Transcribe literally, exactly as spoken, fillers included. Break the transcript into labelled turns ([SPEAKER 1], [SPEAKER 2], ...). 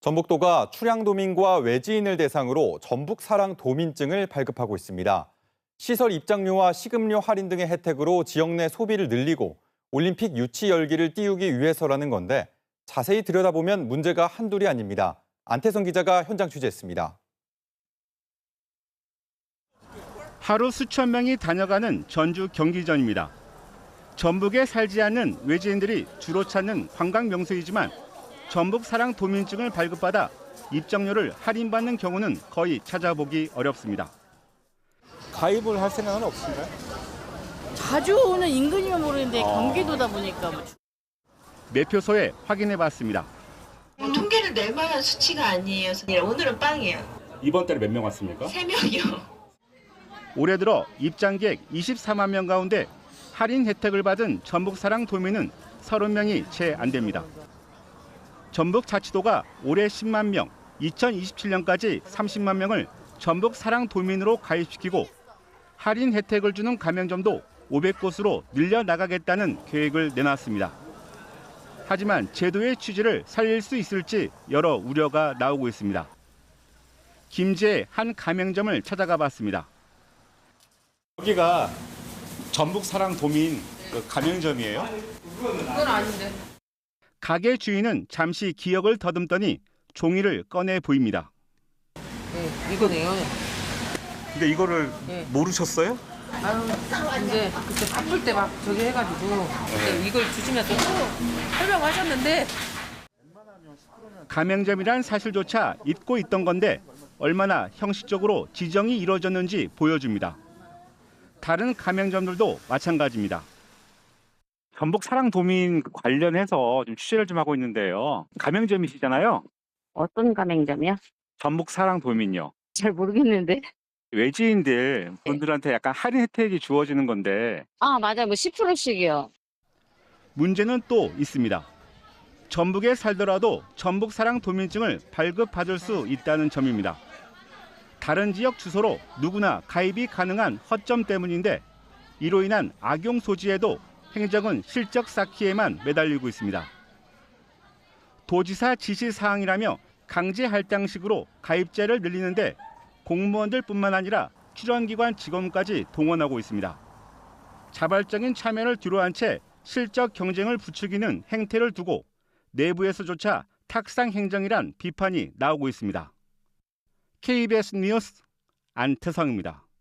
[SPEAKER 1] 전북도가 출향도민과 외지인을 대상으로 전북사랑도민증을 발급하고 있습니다. 시설 입장료와 식음료 할인 등의 혜택으로 지역 내 소비를 늘리고 올림픽 유치 열기를 띄우기 위해서라는 건데 자세히 들여다보면 문제가 한둘이 아닙니다. 안태성 기자가 현장 취재했습니다.
[SPEAKER 2] 하루 수천 명이 다녀가는 전주 경기전입니다. 전북에 살지 않는 외지인들이 주로 찾는 관광 명소이지만 전북사랑도민증을 발급받아 입장료를 할인받는 경우는 거의 찾아보기 어렵습니다.
[SPEAKER 3] 가입을 할 생각은 없으신가요?
[SPEAKER 4] 자주 오는 인근이면 모르는데 경기도다 보니까. 뭐.
[SPEAKER 2] 매표소에 확인해봤습니다.
[SPEAKER 5] 통계를 낼 만한 수치가 아니에요. 오늘은 빵이에요.
[SPEAKER 3] 이번 달에 몇 명 왔습니까?
[SPEAKER 5] 세 명이요.
[SPEAKER 2] 올해 들어 입장객 이십사만 명 가운데 할인 혜택을 받은 전북사랑도민은 서른 명이 채 안 됩니다. 전북자치도가 올해 십만 명, 이천이십칠 년까지 삼십만 명을 전북사랑도민으로 가입시키고 할인 혜택을 주는 가맹점도 오백 곳으로 늘려나가겠다는 계획을 내놨습니다. 하지만 제도의 취지를 살릴 수 있을지 여러 우려가 나오고 있습니다. 김제의 한 가맹점을 찾아가 봤습니다.
[SPEAKER 3] 여기가 전북사랑도민 그 가맹점이에요?
[SPEAKER 6] 그건 아닌데.
[SPEAKER 2] 가게 주인은 잠시 기억을 더듬더니 종이를 꺼내 보입니다.
[SPEAKER 6] 네, 이거네요.
[SPEAKER 3] 근데 이거를
[SPEAKER 6] 네.
[SPEAKER 3] 모르셨어요?
[SPEAKER 6] 아유, 이제 그때 바쁠 때 막 저기 해가지고 그때 이걸 주시면서 또 설명하셨는데.
[SPEAKER 2] 가맹점이란 사실조차 잊고 있던 건데 얼마나 형식적으로 지정이 이루어졌는지 보여줍니다. 다른 가맹점들도 마찬가지입니다.
[SPEAKER 7] 전북사랑도민 관련해서 좀 취재를 좀 하고 있는데요. 가맹점이시잖아요.
[SPEAKER 8] 어떤 가맹점이요?
[SPEAKER 7] 전북사랑도민요.
[SPEAKER 8] 잘 모르겠는데.
[SPEAKER 7] 외지인들 분들한테 약간 할인 혜택이 주어지는 건데.
[SPEAKER 8] 아, 맞아요. 뭐 십 퍼센트씩이요.
[SPEAKER 2] 문제는 또 있습니다. 전북에 살더라도 전북사랑도민증을 발급받을 수 있다는 점입니다. 다른 지역 주소로 누구나 가입이 가능한 허점 때문인데 이로 인한 악용 소지에도 행정은 실적 쌓기에만 매달리고 있습니다. 도지사 지시사항이라며 강제 할당식으로 가입자를 늘리는데 공무원들뿐만 아니라 출연기관 직원까지 동원하고 있습니다. 자발적인 참여를 뒤로한 채 실적 경쟁을 부추기는 행태를 두고 내부에서조차 탁상 행정이란 비판이 나오고 있습니다. 케이비에스 뉴스 안태성입니다.